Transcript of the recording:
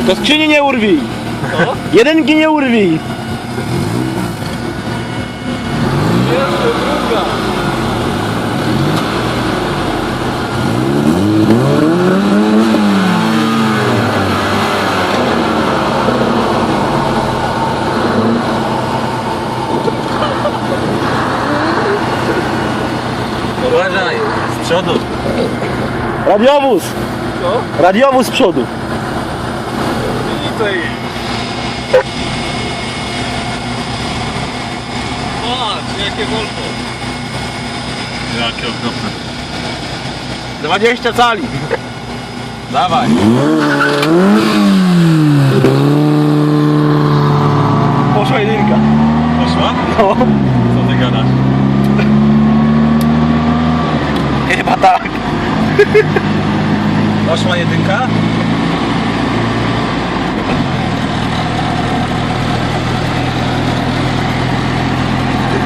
To skrzyni nie urwij. Co? Jedynki nie urwij. Jeszcze druga. Uważaj, z przodu. Radiowóz. Co? Radiowóz z przodu. Widzę ich. Patrz, jakie wolto. Jakie okropne. 20 cali. Dawaj. Poszła jedynka. Poszła? No. Co ty gadasz? Chyba tak. Poszła jedynka?